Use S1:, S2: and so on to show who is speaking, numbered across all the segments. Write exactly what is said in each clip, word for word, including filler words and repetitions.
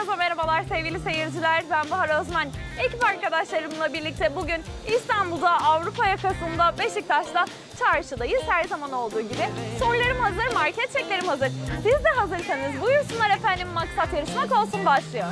S1: Herkese merhabalar sevgili seyirciler. Ben Bahar Özmen. Ekip arkadaşlarımla birlikte bugün İstanbul'da Avrupa Yakası'nda Beşiktaş'ta çarşıdayız. Her zaman olduğu gibi. Sorularım hazır, market çeklerim hazır. Siz de hazırsanız buyursunlar efendim, maksat yarışmak olsun başlıyor.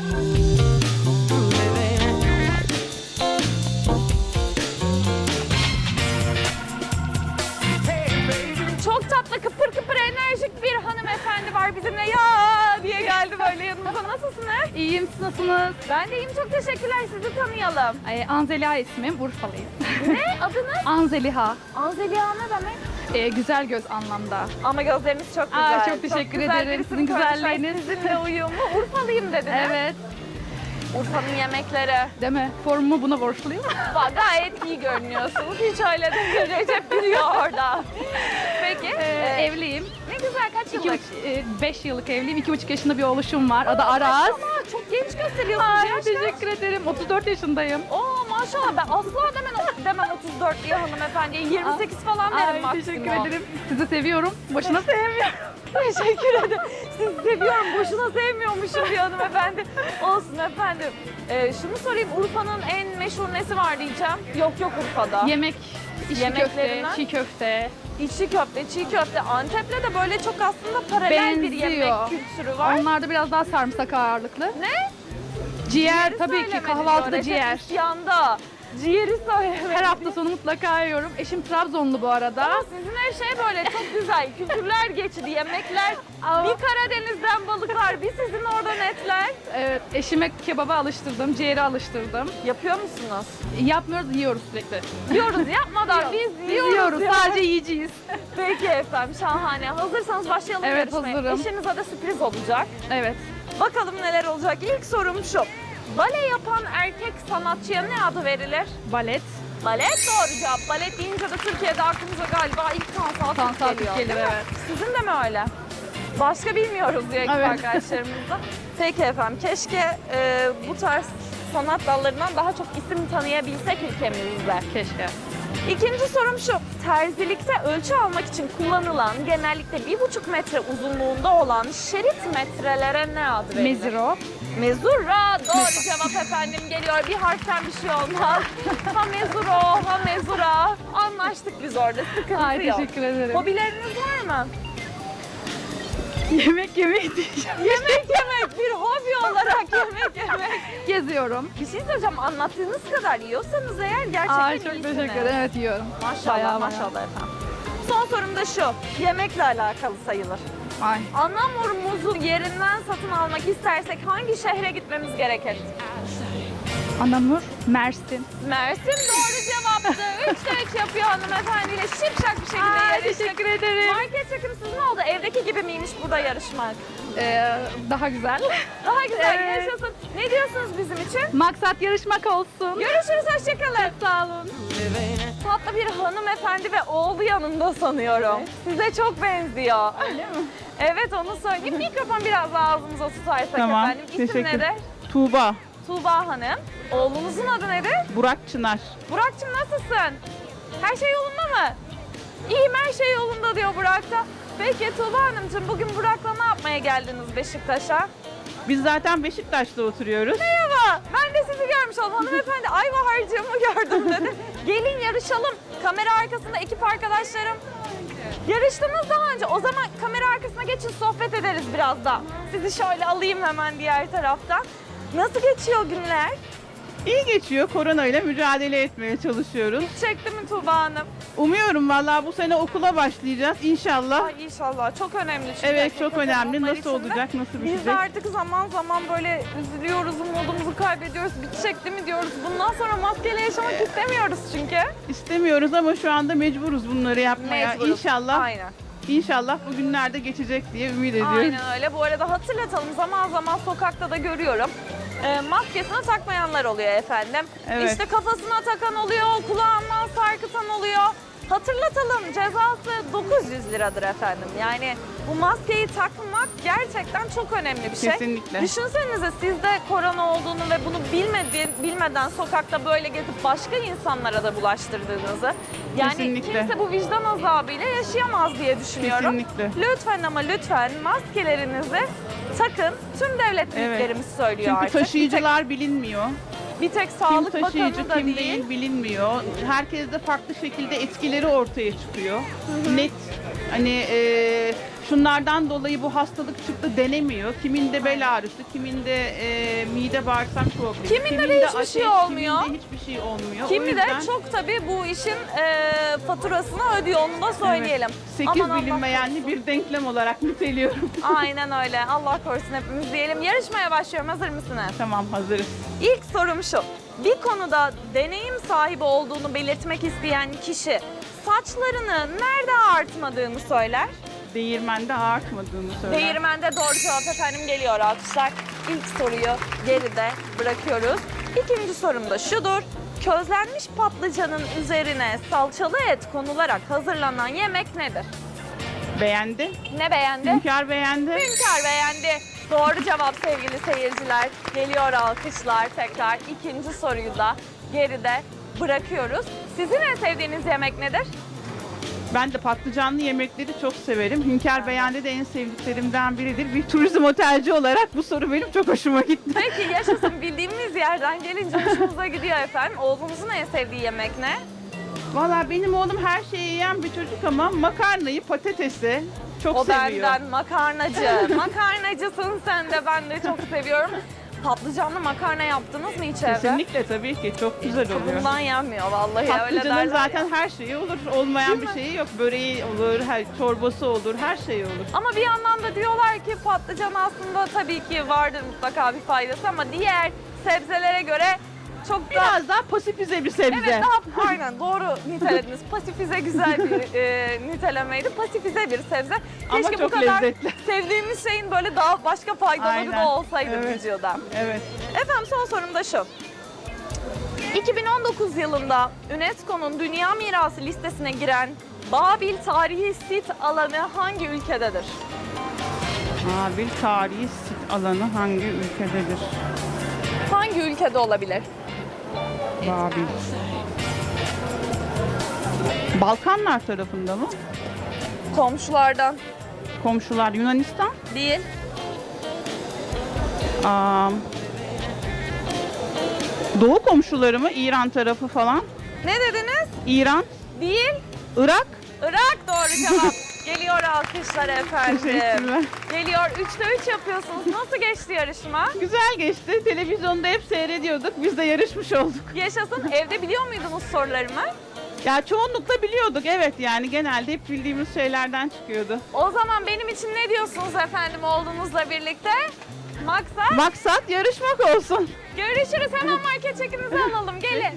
S1: Çok tatlı, kıpır kıpır enerjik bir hanımefendi var bizimle. Ya diye geldi böyle yanımıza. Nasılsınız?
S2: İyiyim, siz nasılsınız?
S1: Ben de iyiyim, çok teşekkürler. Sizi tanıyalım.
S2: Ee, Anzeliha ismim, Urfalıyım.
S1: Ne? Adınız?
S2: Anzeliha,
S1: Anzeliha ne demek?
S2: ee, güzel göz anlamda.
S1: Ama gözleriniz çok güzel.
S2: Aa, çok teşekkür
S1: güzel
S2: ederim.
S1: bir
S2: Sizin
S1: isim koymuşlar.
S2: güzelliğiniz.
S1: Sizinle uyumlu. Urfalıyım dediniz.
S2: Evet,
S1: Urfa'nın yemekleri.
S2: değil mi? Formumu buna borçluyum.
S1: Bak, gayet iyi görünüyorsunuz. Hiç öyle değil. Recep biliyor orada. Peki.
S2: Ee,
S1: e,
S2: evliyim.
S1: ne güzel, kaç
S2: İki,
S1: yıllık?
S2: buç- e, beş yıllık evliyim. İki buçuk yaşında bir oğluşum var. Adı Aras.
S1: Maşallah, çok genç gösteriyorsunuz.
S2: Ay,
S1: Yaş kaç?
S2: teşekkür ederim. otuz dört yaşındayım.
S1: Oo maşallah, ben asla demem, demem otuz dört diye hanımefendiye. yirmi sekiz falan derim
S2: Ay,
S1: maksimum.
S2: teşekkür ederim. Sizi seviyorum. Boşuna sevmiyorum.
S1: Teşekkür ederim. Sizi seviyorum, boşuna sevmiyormuşum bir hanımefendi. Olsun efendim. Ee, şunu sorayım, Urfa'nın en meşhur nesi var diyeceğim. Yok yok Urfa'da.
S2: Yemek, içli köfte,
S1: Yemeklerinden?
S2: çiğ köfte.
S1: İçli köfte, çiğ köfte. Antep'le de böyle çok aslında paralel bir yemek
S2: Benziyor.
S1: kültürü var.
S2: Onlarda biraz daha sarımsak ağırlıklı.
S1: Ne?
S2: Ciğer
S1: Ciğeri
S2: tabii ki,
S1: söylemedin
S2: kahvaltıda
S1: diyor.
S2: ciğer.
S1: Recep isyanda. Ciğeri söylemedin.
S2: Her hafta sonu mutlaka yiyorum. Eşim Trabzonlu bu arada.
S1: Ama sizin her şey böyle çok güzel. Kültürler geçidi, yemekler.
S2: Ama-
S1: Bir Karadeniz'den balıklar, bir sizin oradan etler.
S2: Evet, eşime kebaba alıştırdım, ciğeri alıştırdım.
S1: Yapıyor musunuz?
S2: Yapmıyoruz, yiyoruz sürekli.
S1: Diyoruz yapmadan biz yiyoruz.
S2: Yiyoruz,
S1: ya.
S2: sadece yiyeceğiz.
S1: Peki efendim, şahane. Hazırsanız başlayalım
S2: Evet,
S1: yarışmaya.
S2: hazırım.
S1: Eşinize de sürpriz olacak.
S2: Evet,
S1: Bakalım neler olacak. İlk sorum şu. Bale yapan erkek sanatçıya ne adı verilir?
S2: balet,
S1: Balet doğru cevap. Balet deyince de Türkiye'de aklımıza galiba ilk Tansu
S2: Tansu
S1: Atük
S2: Atük
S1: geliyor.
S2: gelir,
S1: değil mi?
S2: evet.
S1: Sizin de mi öyle? Başka bilmiyoruz diyor ekip
S2: Evet.
S1: arkadaşlarımızda. Peki efendim, keşke e, bu tarz sanat dallarından daha çok isim tanıyabilsek ülkemizde.
S2: keşke.
S1: İkinci sorum şu. Terzilikte ölçü almak için kullanılan genellikle bir buçuk metre uzunluğunda olan şerit metrelere ne adı verilir?
S2: Meziro,
S1: Mezura. Doğru cevap efendim geliyor. Bir harften bir şey olmaz. Ha mezuro, ha mezura. Anlaştık biz orada. Sıkıntı
S2: ay
S1: yok.
S2: teşekkür ederim.
S1: Hobileriniz var mı?
S2: Yemek yemeyi diyeceğim.
S1: Yemek yemek. Bir hobi olarak yemek yemek.
S2: Geziyorum.
S1: Bir şey söyleyeceğim. Anlattığınız kadar yiyorsanız eğer gerçekten
S2: Ay çok
S1: iyisiniz.
S2: teşekkür ederim. Evet yiyorum.
S1: Maşallah
S2: Bayağı,
S1: maşallah efendim. Son sorum da şu. Yemekle alakalı sayılır.
S2: Ay.
S1: Anamurumuzu yerinden satın almak istersek hangi şehre gitmemiz gerekir?
S2: Anamur, Mersin.
S1: Mersin doğru cevaptı. Üçte üç yapıyor hanımefendiyle şipşak bir şekilde
S2: Ay,
S1: yarıştık.
S2: teşekkür ederim.
S1: Market çekim sizin oldu. Evdeki gibi miymiş burada yarışmak?
S2: Ee, daha güzel.
S1: Daha güzel
S2: Evet.
S1: yaşasın. Ne diyorsunuz bizim için?
S2: Maksat yarışmak olsun.
S1: Görüşürüz, hoşçakalın. Sağ olun. Tatlı bir hanımefendi ve oğlu yanında sanıyorum. Size çok benziyor.
S2: Öyle mi?
S1: Evet, onu söyleyeyim. Mikrofon biraz daha ağzımıza tutarsak
S3: Tamam,
S1: efendim. İsim
S3: teşekkür.
S1: nedir?
S3: Tuğba,
S1: Tuğba Hanım. Oğlunuzun adı nedir?
S3: Burak Çınar.
S1: Burak'cığım nasılsın? Her şey yolunda mı? İyiyim, her şey yolunda diyor Burak da. Peki Tuğba Hanımcığım, bugün Burak'la ne yapmaya geldiniz Beşiktaş'a?
S3: Biz zaten Beşiktaş'ta oturuyoruz.
S1: Merhaba, ben de sizi görmüş oldum. Hanımefendi Ayvahar'cığımı gördüm dedi. Gelin yarışalım. Kamera arkasında ekip arkadaşlarım. Yarıştınız daha önce. O zaman kamera arkasına geçin, sohbet ederiz biraz da. Sizi şöyle alayım hemen diğer taraftan. Nasıl geçiyor günler?
S3: İyi geçiyor. Korona ile mücadele etmeye çalışıyoruz.
S1: Çekti mi Tuğba Hanım?
S3: Umuyorum vallahi bu sene okula başlayacağız inşallah.
S1: Ay inşallah. Çok önemli çünkü.
S3: Evet, çok
S1: hakikaten
S3: önemli.
S1: onlar
S3: Nasıl
S1: için de.
S3: olacak, nasıl
S1: Biz de
S3: bitecek?
S1: artık zaman zaman böyle üzülüyoruz, umudumuzu kaybediyoruz. Bitecek değil mi diyoruz. Bundan sonra maskeyle yaşamak istemiyoruz çünkü.
S3: İstemiyoruz ama şu anda mecburuz bunları yapmaya.
S1: Mecburuz.
S3: İnşallah,
S1: Aynen.
S3: inşallah bu günlerde geçecek diye ümit ediyoruz.
S1: Aynen öyle. Bu arada hatırlatalım, zaman zaman sokakta da görüyorum. E, maskesini takmayanlar oluyor efendim.
S3: Evet.
S1: İşte kafasına takan oluyor, kulağından sarkıtan oluyor. Hatırlatalım, cezası dokuz yüz liradır efendim. Yani bu maskeyi takmak gerçekten çok önemli bir şey.
S3: Kesinlikle.
S1: Düşünsenize siz de korona olduğunu ve bunu bilmedi, bilmeden sokakta böyle gezip başka insanlara da bulaştırdığınızı. Yani
S3: Kesinlikle.
S1: kimse bu vicdan azabıyla yaşayamaz diye düşünüyorum.
S3: Kesinlikle.
S1: Lütfen ama lütfen maskelerinizi takın. Tüm devlet
S3: Evet.
S1: büyüklerimiz söylüyor
S3: Çünkü
S1: artık.
S3: taşıyıcılar bilinmiyor.
S1: Bir tek, bir tek
S3: Kim
S1: Sağlık
S3: taşıyıcı
S1: Bakanı da
S3: kim
S1: değil.
S3: değil bilinmiyor. Herkes de farklı şekilde etkileri ortaya çıkıyor. Net hani e, şunlardan dolayı bu hastalık çıktı denemiyor. Kiminde bel ağrısı, kiminde e, mide bağırsak problemi.
S1: Kiminde de hiçbir şey olmuyor.
S3: Kiminde hiçbir şey olmuyor. O
S1: Kimi
S3: yüzden
S1: de çok tabii bu işin e, faturasını ödüyor, onu da söyleyelim.
S3: sekiz
S1: Aman Allah
S3: bilinmeyenli
S1: korusun.
S3: bir denklem olarak niteliyorum.
S1: Aynen öyle. Allah korusun hepimiz diyelim. Yarışmaya başlıyorum. Hazır mısınız?
S3: Tamam, hazırız.
S1: İlk sorum şu. Bir konuda deneyim sahibi olduğunu belirtmek isteyen kişi saçlarını nerede artmadığını söyler.
S3: Değirmende artmadığını söyler.
S1: Değirmende doğru cevap efendim, geliyor alkışlar. İlk soruyu geride bırakıyoruz. İkinci sorum da şudur. Közlenmiş patlıcanın üzerine salçalı et konularak hazırlanan yemek nedir?
S3: Beğendi.
S1: Ne beğendi?
S3: Hünkar beğendi.
S1: Hünkar beğendi. Doğru cevap sevgili seyirciler. Geliyor alkışlar tekrar. İkinci soruyu da geride bırakıyoruz. Sizin en sevdiğiniz yemek nedir?
S3: Ben de patlıcanlı yemekleri çok severim. Hünkar beğendi de en sevdiklerimden biridir. Bir turizm otelci olarak bu soru benim çok hoşuma gitti.
S1: Peki yaşasın, bildiğimiz yerden gelince hoşumuza gidiyor efendim. Oğlunuzun en sevdiği yemek ne?
S3: Valla benim oğlum her şeyi yiyen bir çocuk ama makarnayı, patatesi çok
S1: O
S3: seviyor.
S1: benden makarnacı. Makarnacısın sen de, ben de çok seviyorum. Patlıcanlı makarna yaptınız mı hiç evde?
S3: Kesinlikle, tabii ki çok güzel oluyor.
S1: Bundan yenmiyor vallahi, öyle
S3: Patlıcanın
S1: derler
S3: zaten
S1: ya.
S3: her şeyi olur. Olmayan
S1: Değil
S3: bir
S1: mi?
S3: şeyi yok. Böreği olur, her, çorbası olur, her şey olur.
S1: Ama bir yandan da diyorlar ki patlıcan aslında tabii ki vardır mutlaka bir faydası ama diğer sebzelere göre çok da...
S3: Biraz daha pasifize bir sebze.
S1: Evet, daha aynen doğru nitelediniz. Pasifize güzel bir e, nitelemeydi. Pasifize bir sebze.
S3: Ama
S1: Keşke
S3: çok
S1: bu kadar
S3: lezzetli.
S1: sevdiğimiz şeyin böyle daha başka faydaları
S3: Aynen.
S1: da olsaydı
S3: Evet.
S1: vücuda.
S3: Evet.
S1: Efendim son sorum da şu. iki bin on dokuz yılında UNESCO'nun Dünya Mirası listesine giren Babil Tarihi Sit alanı hangi ülkededir?
S3: Babil tarihi sit alanı hangi ülkededir?
S1: Hangi ülkede olabilir?
S3: Babil. Balkanlar tarafında mı?
S1: Komşulardan
S3: Komşular Yunanistan.
S1: değil.
S3: Aa, Doğu komşuları mı? İran tarafı falan.
S1: Ne dediniz?
S3: İran,
S1: Değil.
S3: Irak.
S1: Irak doğru cevap. Geliyor alkışlar efendim.
S3: Teşekkürler.
S1: Geliyor. Üçte üç yapıyorsunuz. Nasıl geçti yarışma?
S3: Güzel geçti. Televizyonda hep seyrediyorduk. Biz de yarışmış olduk.
S1: Yaşasın. Evde biliyor muydunuz sorularımı?
S3: Ya çoğunlukla biliyorduk. Evet, yani genelde hep bildiğimiz şeylerden çıkıyordu.
S1: O zaman benim için ne diyorsunuz efendim oğlunuzla birlikte? Maksat?
S3: Maksat yarışmak olsun.
S1: Görüşürüz. Hemen market çekinizi alalım. Gelin.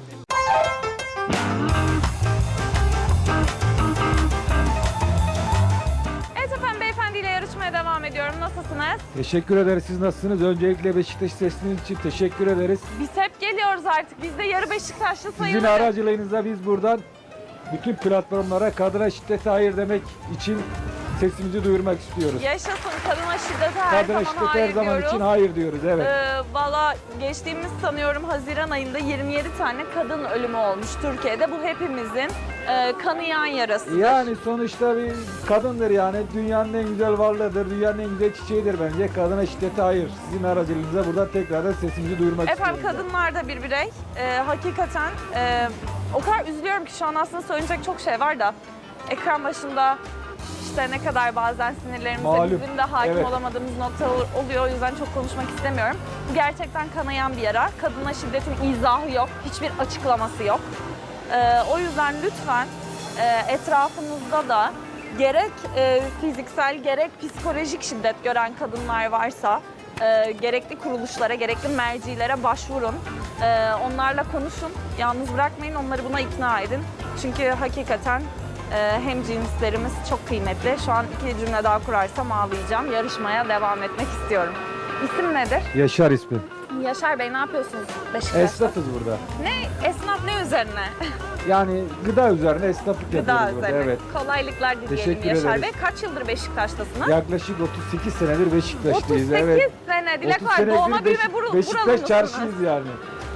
S1: Evet efendim, beyefendiyle yarışmaya devam ediyorum. Nasılsınız?
S4: Teşekkür ederiz. Siz nasılsınız? Öncelikle Beşiktaş sesiniz için teşekkür ederiz.
S1: Biz hep geliyoruz artık. Biz de yarı Beşiktaşlı
S4: Sizin
S1: sayılırız.
S4: aracılığınızla biz buradan bütün platformlara kadına şiddete hayır demek için sesimizi duyurmak istiyoruz.
S1: Yaşasın, kadına şiddete her
S4: Kadına
S1: zaman
S4: şiddete
S1: hayır
S4: her zaman
S1: diyoruz.
S4: için hayır diyoruz. Evet.
S1: Ee, Valla geçtiğimiz sanıyorum Haziran ayında yirmi yedi tane kadın ölümü olmuş Türkiye'de. Bu hepimizin e, kanayan yarası.
S4: Yani sonuçta bir kadındır yani. Dünyanın en güzel varlığıdır. Dünyanın en güzel çiçeğidir bence. Kadına şiddete hayır. Sizin aracılığınızla buradan tekrardan sesimizi duyurmak
S1: Efendim
S4: istiyoruz.
S1: kadınlar da bir birey. Ee, hakikaten e, o kadar üzülüyorum ki şu an aslında söyleyecek çok şey var da ekran başında işte ne kadar bazen sinirlerimize
S4: Malum.
S1: bizim de hakim
S4: Evet.
S1: olamadığımız nokta oluyor. O yüzden çok konuşmak istemiyorum. Bu gerçekten kanayan bir yara. Kadına şiddetin izahı yok. Hiçbir açıklaması yok. Ee, o yüzden lütfen e, etrafınızda da gerek e, fiziksel gerek psikolojik şiddet gören kadınlar varsa e, gerekli kuruluşlara, gerekli mercilere başvurun. E, onlarla konuşun. Yalnız bırakmayın. Onları buna ikna edin. Çünkü hakikaten e, hem cinslerimiz çok kıymetli. Şu an iki cümle daha kurarsam ağlayacağım. Yarışmaya devam etmek istiyorum. İsim nedir?
S4: Yaşar ismi.
S1: Yaşar Bey, ne yapıyorsunuz Beşiktaş'ta?
S4: Esnafız burada.
S1: Ne? Esnaf ne üzerine?
S4: Yani gıda üzerine esnaflık
S1: Gıda
S4: yapıyoruz burada.
S1: üzerine.
S4: Evet.
S1: Kolaylıklar dileyelim
S4: Teşekkür
S1: Yaşar
S4: ederiz.
S1: Bey. Kaç yıldır Beşiktaş'tasınız?
S4: Yaklaşık otuz sekiz senedir
S1: otuz
S4: Beşiktaş'tayız.
S1: sekiz
S4: Evet.
S1: sene. Dilek
S4: otuz
S1: var.
S4: senedir
S1: Doğma büyüme
S4: Beşik-
S1: bur- buralı
S4: Beşiktaş
S1: mısınız?
S4: çarşıyız yani.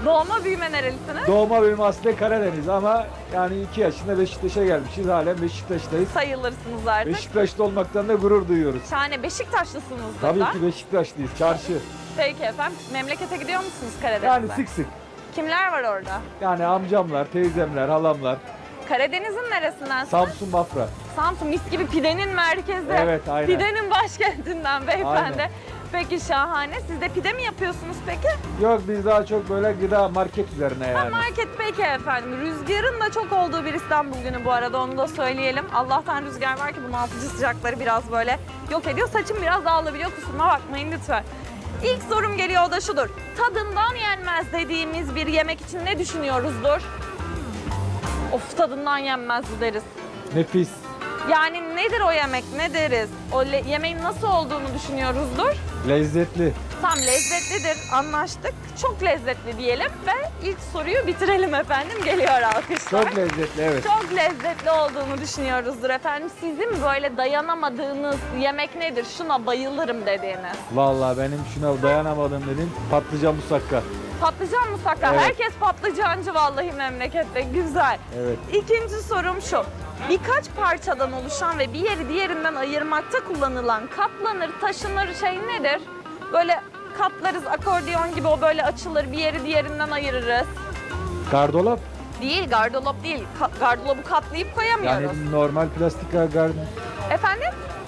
S1: Doğma büyüme nerelisiniz?
S4: Doğma büyüme aslen Karadeniz ama yani iki yaşında Beşiktaş'a gelmişiz. Halen Beşiktaş'tayız.
S1: Sayılırsınız artık.
S4: Beşiktaşlı olmaktan da gurur duyuyoruz.
S1: Şahane. Beşiktaşlısınızdır
S4: Tabii
S1: da.
S4: ki Beşiktaşlıyız. Çarşı.
S1: Peki efendim. Memlekete gidiyor musunuz Karadeniz'e?
S4: Yani sık sık.
S1: Kimler var orada?
S4: Yani amcamlar, teyzemler, halamlar.
S1: Karadeniz'in neresindensiniz?
S4: Samsun, Bafra.
S1: Samsun mis gibi pidenin merkezi.
S4: Evet, aynen.
S1: Pidenin başkentinden beyefendi.
S4: Aynen.
S1: Peki şahane. Siz de pide mi yapıyorsunuz peki?
S4: Yok biz daha çok böyle gıda market üzerine
S1: Ha,
S4: yani.
S1: market peki efendim. Rüzgarın da çok olduğu bir İstanbul günü bu arada, onu da söyleyelim. Allah'tan rüzgar var ki bunaltıcı sıcakları biraz böyle yok ediyor. Saçım biraz dağılabiliyor, kusuruma bakmayın lütfen. İlk sorum geliyor, o da şudur. Tadından yenmez dediğimiz bir yemek için ne düşünüyoruzdur? Of, tadından yenmez deriz.
S4: Nefis.
S1: Yani nedir o yemek, ne deriz? O le- yemeğin nasıl olduğunu düşünüyoruzdur.
S4: Lezzetli.
S1: Tam lezzetlidir, anlaştık. Çok lezzetli diyelim ve ilk soruyu bitirelim efendim. Geliyor alkışlar.
S4: Çok lezzetli, evet.
S1: Çok lezzetli olduğunu düşünüyoruzdur efendim. Sizin böyle dayanamadığınız yemek nedir? Şuna bayılırım dediğiniz.
S4: Vallahi benim şuna dayanamadığım dedim patlıcan musakka.
S1: Patlıcan musakka.
S4: Evet.
S1: Herkes patlıcancı vallahi memlekette. Güzel.
S4: Evet.
S1: İkinci sorum şu. Birkaç parçadan oluşan ve bir yeri diğerinden ayırmakta kullanılan katlanır, taşınır şey nedir? Böyle katlarız, akordeon gibi, o böyle açılır, bir yeri diğerinden ayırırız.
S4: Gardolap.
S1: Değil, gardırop değil. Ka- gardırop katlayıp koyamıyoruz.
S4: Yani normal plastik gardolap.
S1: Efendim?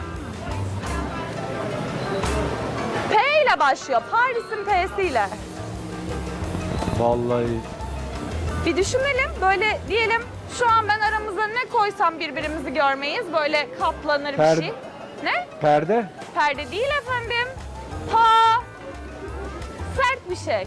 S1: P ile başlıyor. Paris'in P'siyle.
S4: Vallahi.
S1: Bir düşünelim. Böyle diyelim şu an ben aramıza ne koysam birbirimizi görmeyiz. Böyle katlanır bir
S4: Perde.
S1: şey. Ne?
S4: Perde.
S1: Perde değil efendim. Pa. Sert bir şey.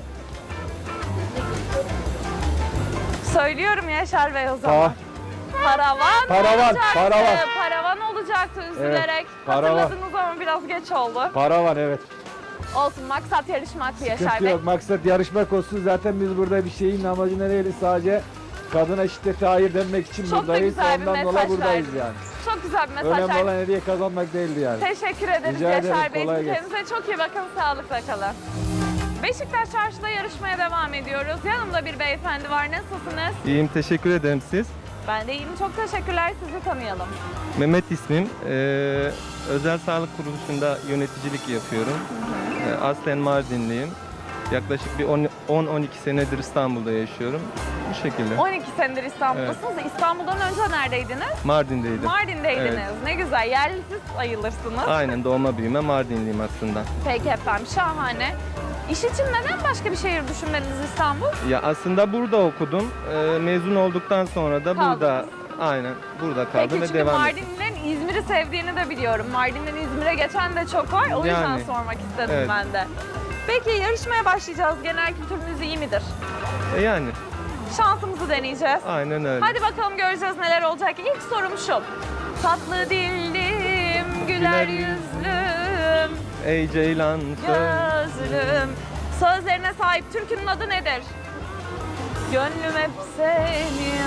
S1: Söylüyorum Yaşar Bey o zaman.
S4: Pa.
S1: Paravan,
S4: Paravan,
S1: olacaktı.
S4: paravan.
S1: Paravan olacaktı üzülerek.
S4: paravan.
S1: Hatırladınız ama biraz geç oldu.
S4: Para var, evet.
S1: Olsun, maksat yarışmaktı Yaşar
S4: Sıkıntı
S1: Bey.
S4: yok. Maksat yarışmak olsun. Zaten biz burada bir şeyin amacı ne değil? Sadece kadına şiddete hayır denmek için
S1: Çok da
S4: buradayız.
S1: güzel bir
S4: Ondan
S1: mesaj
S4: dolayı buradayız
S1: verdin.
S4: yani.
S1: Çok güzel bir mesaj
S4: Önemli
S1: verdin.
S4: olan hediye kazanmak değildi yani.
S1: Teşekkür ederiz
S4: Rica ederim,
S1: Yaşar Beyciğim.
S4: kolay gelsin.
S1: Kendinize çok iyi bakın, sağlıkla kalın. Beşiktaş Çarşı'da yarışmaya devam ediyoruz. Yanımda bir beyefendi var. Nasılsınız?
S5: İyiyim, teşekkür ederim siz.
S1: Ben de iyiyim. Çok teşekkürler. Sizi tanıyalım.
S5: Mehmet ismim. Ee, özel sağlık kuruluşunda yöneticilik yapıyorum. Ee, aslen Mardinliyim. Yaklaşık bir on on iki senedir İstanbul'da yaşıyorum. Bu şekilde.
S1: on iki senedir İstanbul'dasınız. İstanbul'dan önce neredeydiniz?
S5: Mardin'deydim.
S1: Mardin'deydiniz.
S5: Evet.
S1: Ne güzel. Yerlisiz sayılırsınız.
S5: Aynen, doğma büyüme Mardinliyim aslında.
S1: Peki efendim. Şahane. İş için neden başka bir şehir düşünmediniz İstanbul?
S5: Ya aslında burada okudum. Ee, mezun olduktan sonra da
S1: Kaldınız.
S5: burada, aynen burada kaldım
S1: Peki
S5: ve
S1: çünkü
S5: devam ettim.
S1: Mardinlilerin İzmir'i sevdiğini de biliyorum. Mardin'den İzmir'e geçen de çok var. O yüzden
S5: Yani,
S1: sormak istedim
S5: evet.
S1: ben de. Peki yarışmaya başlayacağız. Genel kültürünüz iyi midir?
S5: E yani,
S1: Şansımızı deneyeceğiz.
S5: aynen öyle.
S1: Hadi bakalım, göreceğiz neler olacak. İlk sorum şu. Tatlı dillim, güler
S5: Güler
S1: yüzlüm,
S5: Ey Ceylan söz.
S1: gözlüm. Sözlerine sahip türkünün adı nedir? Gönlüm hep seni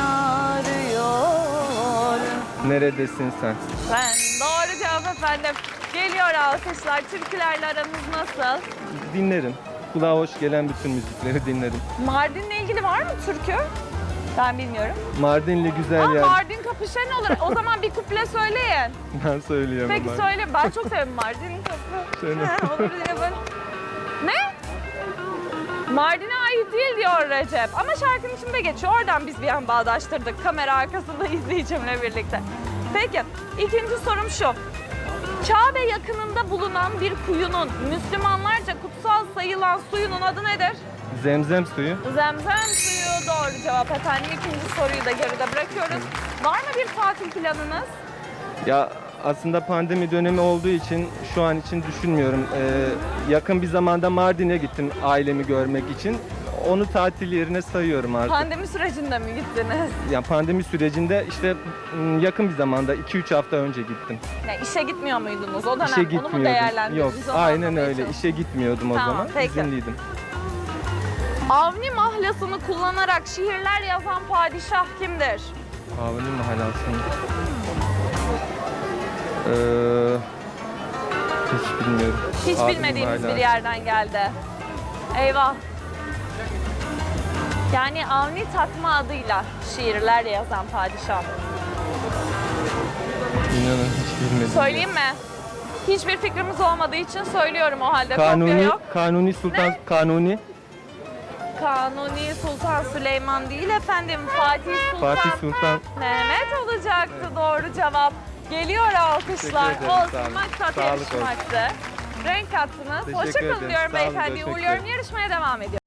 S1: arıyor.
S5: Neredesin sen?
S1: Ben doğru cevap efendim. Geliyor alkışlar. Türkülerle aranız nasıl?
S5: Dinlerim. Kulağa hoş gelen bütün müzikleri dinlerim.
S1: Mardin'le ilgili var mı türkü? Ben bilmiyorum.
S5: Mardinli güzel
S1: Aa,
S5: yer.
S1: Mardin kapışan olur. O zaman bir kuple söyleyin.
S5: Ben söyleyemem.
S1: Peki
S5: artık.
S1: söyle. Ben çok severim Mardin kapı.
S5: Söyle.
S1: Ha, olur diye böyle. Ne? Mardin'e ait değil diyor Recep. Ama şarkının içinde geçiyor. Oradan biz bir an bağdaştırdık. Kamera arkasında izleyicimle birlikte. Peki. ikinci sorum şu. Kabe yakınında bulunan bir kuyunun Müslümanlarca kutsal sayılan suyunun adı nedir?
S5: Zemzem suyu.
S1: Zemzem suyu doğru cevap efendim. İkinci soruyu da geride bırakıyoruz. Var mı bir tatil planınız?
S5: Ya aslında pandemi dönemi olduğu için şu an için düşünmüyorum. Ee, yakın bir zamanda Mardin'e gittim ailemi görmek için. Onu tatil yerine sayıyorum artık.
S1: Pandemi sürecinde mi gittiniz?
S5: Yani pandemi sürecinde işte m, yakın bir zamanda iki üç hafta önce gittim.
S1: Ya işe gitmiyor muydunuz o dönem?
S5: İşe
S1: Onu mu
S5: gitmiyordum.
S1: değerlendirdiniz?
S5: Yok,
S1: Onu
S5: aynen
S1: anlamaya
S5: öyle.
S1: çalışın.
S5: İşe gitmiyordum o
S1: Tamam,
S5: zaman.
S1: peki.
S5: İzinliydim.
S1: Avni mahlasını kullanarak şiirler yazan padişah kimdir?
S5: Avni mahallasını. Ee, hiç bilmiyorum.
S1: Hiç
S5: Avni
S1: bilmediğimiz
S5: mahallası.
S1: bir yerden geldi. Eyvah. Yani Avni Takma adıyla şiirler yazan padişah.
S5: İnanın hiç bilmedim.
S1: Söyleyeyim mi? Hiçbir fikrimiz olmadığı için söylüyorum o halde. Kopya
S5: Kanuni,
S1: yok.
S5: Kanuni Sultan,
S1: Ne?
S5: Kanuni,
S1: Kanuni Sultan Süleyman değil efendim. Fatih Sultan,
S5: Fatih Sultan.
S1: Mehmet olacaktı doğru cevap. Geliyor alkışlar.
S5: Teşekkür ederim,
S1: Olsun
S5: sağ olun.
S1: maksat
S5: Sağlık
S1: yarışmaktı. Renk kattınız.
S5: Teşekkür
S1: Hoşçakalın
S5: ederim,
S1: diyorum
S5: sağ olun,
S1: beyefendi.
S5: teşekkür
S1: Uğurluyorum.
S5: ederim.
S1: Yarışmaya devam ediyor.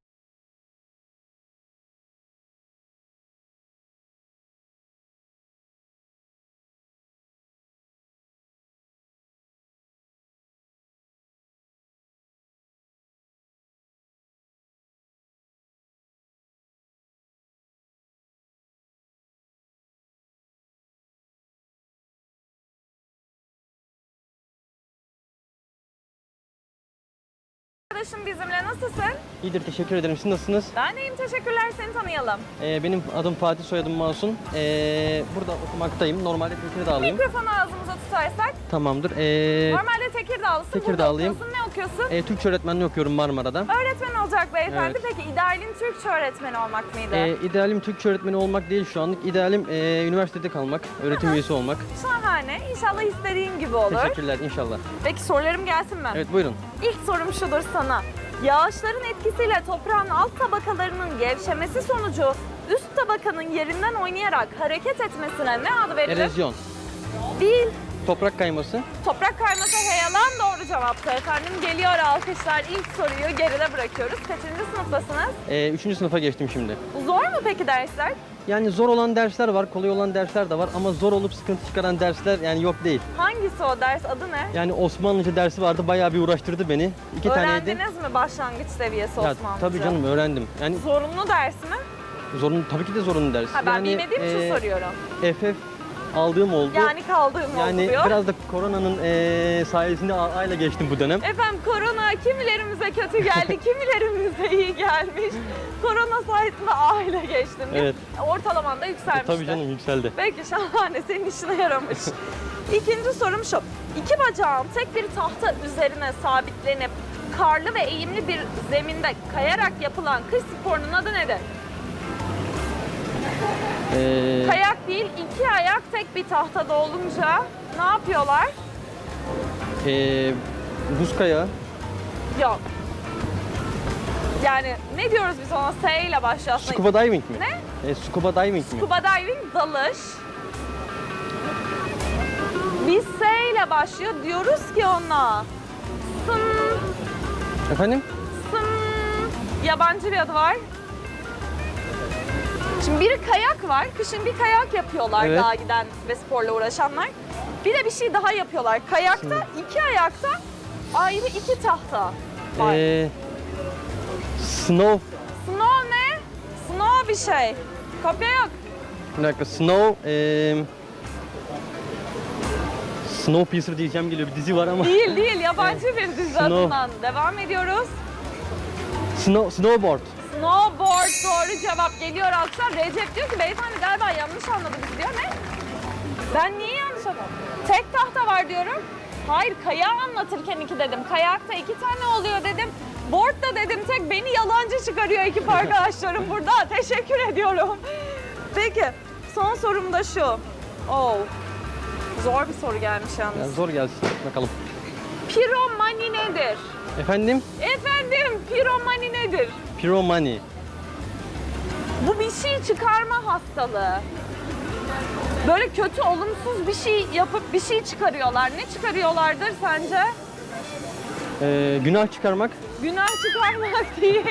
S1: Arkadaşım bizimle nasılsın?
S6: İyidir, teşekkür ederim. Siz nasılsınız?
S1: Ben deyim teşekkürler seni tanıyalım.
S6: Ee, benim adım Fatih, soyadım Masum. Ee, burada okumaktayım. Normalde Tekirdağlıyım.
S1: Mikrofonu ağzımıza tutarsak.
S6: Tamamdır. Ee,
S1: Normalde Tekirdağlısın.
S6: Tekirdağlıyım.
S1: Burada okuyorsun. Ne okuyorsun?
S6: e, Türkçe öğretmenliği okuyorum Marmara'da.
S1: Öğretmen olacak beyefendi.
S6: Evet.
S1: Peki idealin Türkçe öğretmeni olmak mıydı?
S6: Ee, idealim Türkçe öğretmeni olmak değil şu anlık. İdealim ee, üniversitede kalmak, öğretim üyesi olmak.
S1: Şahane. İnşallah istediğin gibi olur.
S6: Teşekkürler inşallah.
S1: Peki sorularım gelsin mi?
S6: Evet, buyurun.
S1: İlk sorum şudur sana. Yağışların etkisiyle toprağın alt tabakalarının gevşemesi sonucu üst tabakanın yerinden oynayarak hareket etmesine ne adı verilir?
S6: Erozyon,
S1: Değil.
S6: toprak kayması,
S1: Toprak kayması heyelan doğru cevaptı efendim. Geliyor alkışlar. İlk soruyu geride bırakıyoruz. Kaçıncı sınıftasınız?
S6: ee, üçüncü sınıfa geçtim şimdi.
S1: Zor mu peki dersler?
S6: Yani zor olan dersler var, kolay olan dersler de var ama zor olup sıkıntı çıkaran dersler yani yok değil.
S1: Hangisi o ders? Adı ne?
S6: Yani Osmanlıca dersi vardı, bayağı bir uğraştırdı beni. İki taneydi.
S1: Öğrendiniz mi başlangıç seviyesi
S6: Ya,
S1: Osmanlıca?
S6: tabii canım öğrendim. Yani
S1: Zorunlu ders mi?
S6: zorunlu, tabii ki de zorunlu ders.
S1: Ha, ben
S6: yani,
S1: bilmediğim için
S6: e,
S1: soruyorum.
S6: F F aldığım oldu.
S1: Yani kaldığım
S6: Yani
S1: oldu diyor.
S6: biraz da koronanın e, sayesinde A A ile geçtim bu dönem.
S1: Efendim korona kimilerimize kötü geldi, kimilerimize iyi gelmiş. Korona sayesinde aile geçtim.
S6: Evet.
S1: Ortalaman da
S6: E,
S1: yükselmişti.
S6: tabii canım yükseldi.
S1: Peki şahane, senin işine yaramış. İkinci sorum şu. İki bacağın tek bir tahta üzerine sabitlenip karlı ve eğimli bir zeminde kayarak yapılan kış sporunun adı nedir?
S6: E,
S1: Kayak değil, iki ayak tek bir tahtada olunca ne yapıyorlar?
S6: e, buz kayağı,
S1: Yok. Yani ne diyoruz biz ona? S ile başlıyor aslında.
S6: scuba diving mi?
S1: Ne?
S6: E, scuba diving mi?
S1: Scuba diving dalış. Biz S ile başlıyor. Diyoruz ki ona sın,
S6: Efendim?
S1: sın. Yabancı bir adı var. Şimdi bir kayak var. Kışın bir kayak yapıyorlar
S6: Evet.
S1: dağa giden ve sporla uğraşanlar. Bir de bir şey daha yapıyorlar. Kayakta iki ayakta ayrı iki tahta var.
S6: E, snow,
S1: Snow ne? Snow bir şey. Kopya yok.
S6: bir dakika, snow, e, Snowpiercer diyeceğim geliyor, bir dizi var ama.
S1: Değil değil yabancı bir dizi
S6: Snow.
S1: adından. Devam ediyoruz.
S6: Snow, snowboard.
S1: Snowboard doğru cevap geliyor alkışlar. Recep diyor ki beyefendi galiba yanlış anladı bizi diyor. Ne? Ben niye yanlış anladım? Tek tahta var diyorum. Hayır kayağı anlatırken iki dedim. Kayakta iki tane oluyor dedim. Board'da dedim tek beni yalancı çıkarıyor ekip arkadaşlarım burada. Teşekkür ediyorum. Peki son sorum da şu. Oh. Zor bir soru gelmiş yalnız.
S6: Yani zor gelsin bakalım.
S1: Piromani nedir?
S6: Efendim?
S1: Efendim piromani nedir?
S6: Pyromani.
S1: Bu bir şey çıkarma hastalığı. Böyle kötü, olumsuz bir şey yapıp bir şey çıkarıyorlar. Ne çıkarıyorlardır sence?
S6: E, günah çıkarmak.
S1: Günah çıkarmak değil.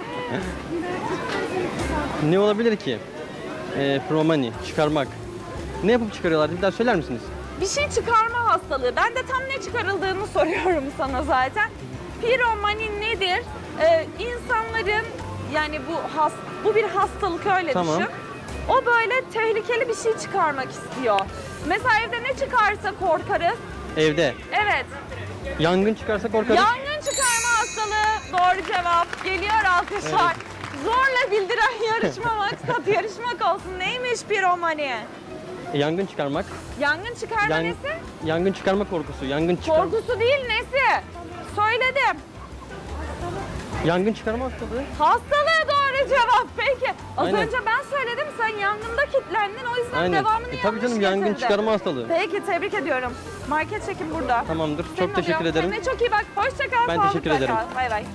S6: Ne olabilir ki? E, pyromani, çıkarmak. Ne yapıp çıkarıyorlar? Bir daha söyler misiniz?
S1: Bir şey çıkarma hastalığı. Ben de tam ne çıkarıldığını soruyorum sana zaten. Piromani nedir? Ee, insanların yani bu has, bu bir hastalık öyle
S6: Tamam.
S1: düşün. O böyle tehlikeli bir şey çıkarmak istiyor. Mesela evde ne çıkarsa korkarız.
S6: Evde.
S1: Evet.
S6: Yangın çıkarsa korkarız.
S1: Yangın çıkarma hastalığı doğru cevap. Geliyor alkışlar. Zorla bildiren yarışma maksat yarışmak olsun. Neymiş piromani?
S6: E, yangın çıkarmak.
S1: Yangın çıkarma
S6: Yan-
S1: nesi?
S6: Yangın çıkarma korkusu. Yangın çıkar.
S1: Korkusu değil nesi? Söyledim.
S6: Yangın çıkarma hastalığı.
S1: Hastalığı doğru bir cevap. Peki. Az
S6: Aynen.
S1: önce ben söyledim, sen yangında kilitlendin. O yüzden
S6: Aynen.
S1: devamını
S6: E, tabii
S1: yanlış
S6: canım, yangın
S1: getirdin.
S6: çıkarma hastalığı.
S1: Peki, tebrik ediyorum. Market çekim burada.
S6: Tamamdır.
S1: Senin
S6: Çok teşekkür
S1: oluyor.
S6: ederim.
S1: Kendine çok iyi bak. Hoşça kal.
S6: Ben
S1: sağlıkla
S6: teşekkür ederim.
S1: kal. Bay bay.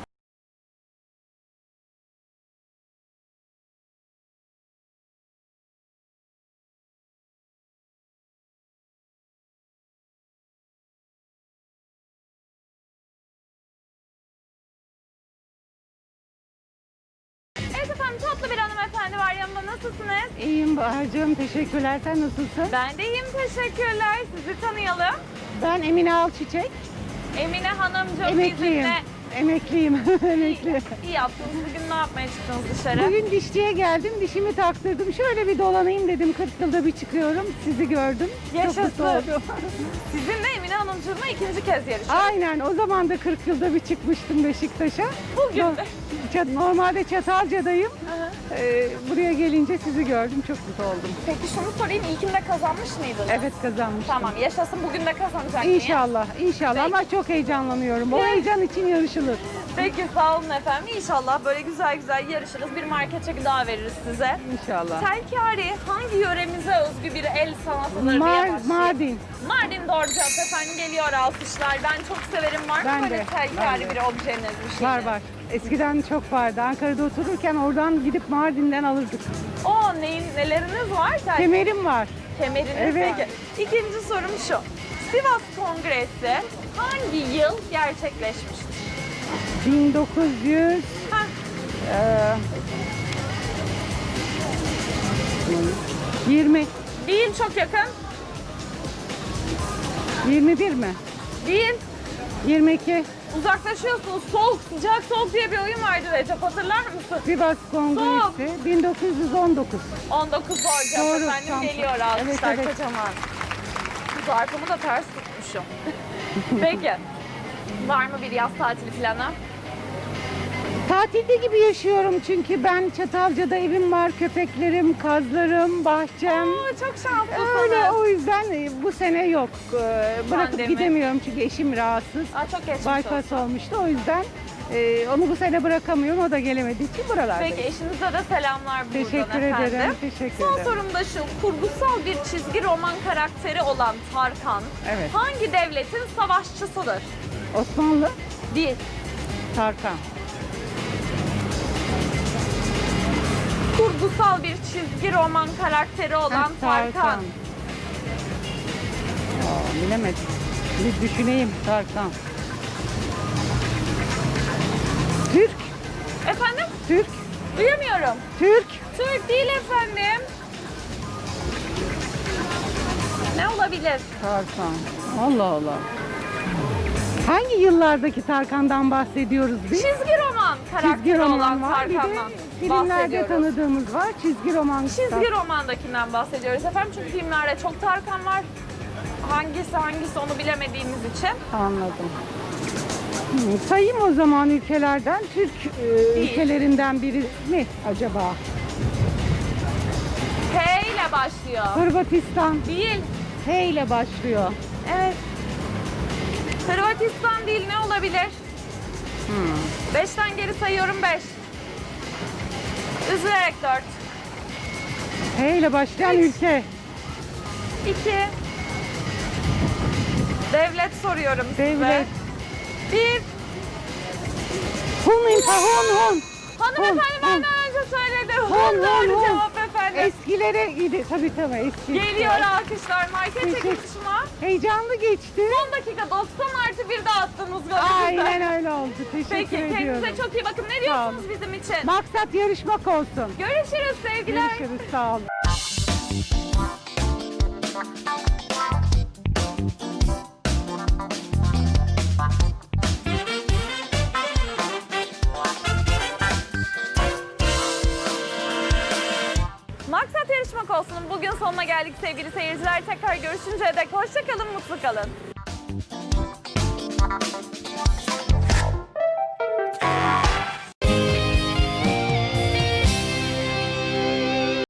S1: Evet efendim, tatlı bir hanımefendi var yanımda. Nasılsınız?
S7: İyiyim Bahar'cığım, teşekkürler. Sen nasılsın?
S1: Ben de iyiyim, teşekkürler. Sizi tanıyalım.
S7: Ben Emine Alçiçek,
S1: Emine Hanımcığım
S7: emekliyim.
S1: bizimle.
S7: Emekliyim, emekli.
S1: İyi yaptınız. Bugün ne yapmaya çıktınız dışarı?
S7: Bugün dişçiye geldim, dişimi taktırdım. Şöyle bir dolanayım dedim, kırk yılda bir çıkıyorum. Sizi gördüm.
S1: Yaşasın.
S7: Çok mutlu oldum.
S1: Sizinle Emine Hanımcığımla ikinci kez yarışıyoruz.
S7: Aynen, o zaman da kırk yılda bir çıkmıştım Beşiktaş'a.
S1: Bugün
S7: No-
S1: de.
S7: Çat- Normalde Çatalca'dayım.
S1: Aha.
S7: Ee, buraya gelince sizi gördüm, çok mutlu oldum.
S1: Peki şunu sorayım, ilkinde kazanmış mıydınız?
S7: Evet, kazanmıştım.
S1: Tamam, yaşasın, bugün de kazanacak mıyım?
S7: İnşallah, inşallah
S1: Peki.
S7: ama çok heyecanlanıyorum. O
S1: Ne?
S7: heyecan için yarışılır.
S1: Peki, sağ olun efendim. İnşallah böyle güzel güzel yarışırız. Bir market çeki daha veririz size.
S7: İnşallah.
S1: Telkari hangi yöremize özgü bir el sanatıdır diye
S7: Mar-
S1: başlayayım.
S7: Mardin.
S1: Mardin doğru cevap efendim, geliyor alkışlar. Ben çok severim. Var mı
S7: Ben
S1: böyle
S7: de,
S1: telkari
S7: ben de.
S1: bir objeniz, bir şeyiniz?
S7: Var var. Eskiden çok vardı. Ankara'da otururken oradan gidip Mardin'den alırdık.
S1: O neyin, neleriniz var? Telkari.
S7: Kemerim var.
S1: Kemeriniz.
S7: Evet.
S1: Peki. İkinci sorum şu. Sivas Kongresi hangi yıl gerçekleşmiştir?
S7: bin dokuz yüz
S1: Heh,
S7: eee, yirmi.
S1: değil, çok yakın.
S7: yirmi bir mi?
S1: Değil.
S7: yirmi iki.
S1: Uzaklaşıyorsunuz. Soğuk, sıcak, soğuk diye bir oyun vardı Recep. Hatırlar mısın?
S7: Sivas Kongresi bin dokuz yüz on dokuz.
S1: on dokuz doğru cevap
S7: Doğru,
S1: efendim,
S7: tam.
S1: geliyor alkışlar
S7: Evet, evet.
S1: kocaman. Zarfımı da ters tutmuşum. Peki. Var mı bir yaz tatili planı?
S7: Tatilde gibi yaşıyorum çünkü ben Çatalca'da evim var, köpeklerim, kazlarım, bahçem.
S1: Aa, çok şanslısınız.
S7: Öyle, o yüzden e, bu sene yok. Ee, Bırakıp
S1: Pandemi.
S7: gidemiyorum çünkü eşim rahatsız.
S1: Aa, çok geçmiş olsun.
S7: Bypass olmuştu, o yüzden e, onu bu sene bırakamıyorum. O da gelemediği için buralardayım.
S1: Peki, eşinize de selamlar buradan
S7: Teşekkür
S1: efendim.
S7: ederim, teşekkür
S1: Son
S7: ederim.
S1: sorum da şu. Kurgusal bir çizgi roman karakteri olan Tarkan
S7: Evet.
S1: hangi devletin savaşçısıdır?
S7: Osmanlı,
S1: Değil.
S7: Tarkan.
S1: Kurgusal bir çizgi roman karakteri olan
S7: Heh,
S1: Tarkan.
S7: Aa, bilemedim. Bir düşüneyim, Tarkan. Türk,
S1: Efendim?
S7: Türk,
S1: Duyamıyorum.
S7: Türk.
S1: Türk değil efendim. Ne olabilir?
S7: Tarkan. Allah Allah. Hangi yıllardaki Tarkan'dan bahsediyoruz biz?
S1: Çizgi roman karakteri
S7: Çizgi
S1: olan
S7: roman var. Bir de
S1: Tarkan'dan
S7: filmlerde
S1: bahsediyoruz.
S7: tanıdığımız var. Çizgi roman.
S1: Çizgi romandakinden bahsediyoruz efendim. Çünkü filmlerde çok Tarkan var. Hangisi hangisi onu bilemediğimiz için.
S7: Anladım. Hmm, sayayım o zaman ülkelerden. Türk e,
S1: Değil.
S7: ülkelerinden biri mi acaba?
S1: H ile başlıyor.
S7: Hırvatistan.
S1: Değil.
S7: H ile başlıyor.
S1: Evet. Hırvatistan değil, ne olabilir?
S7: Hmm.
S1: Beşten geri sayıyorum, beş. Üzülerek dört.
S7: H ile başlayan
S1: Üç.
S7: ülke.
S1: İki. Devlet soruyorum size.
S7: Devlet.
S1: Bir.
S7: Hun, Hun, Hun.
S1: Hanımefendi
S7: Hun, Hun.
S1: benden önce söyledi.
S7: Hun,
S1: Hun
S7: Hun,
S1: doğru
S7: Hun.
S1: cevap efendim.
S7: Eskilere gidi. Tabii tabii eski.
S1: Geliyor alkışlar. Market
S7: Teşekkür-
S1: çekilişime.
S7: Heyecanlı geçti.
S1: Son dakika doksan artı bir de attınız golü.
S7: Aynen öyle oldu. Teşekkür
S1: Peki,
S7: ediyorum.
S1: kendinize çok iyi bakın. Ne
S7: Sağ olun.
S1: diyorsunuz bizim için?
S7: Maksat yarışmak olsun.
S1: Görüşürüz sevgiler.
S7: Görüşürüz. Sağ olun.
S1: Maksat yarışmak olsun. Bugün sonuna geldik sevgili seyirciler. Tekrar görüşünceye dek hoşça kalın, mutlu kalın.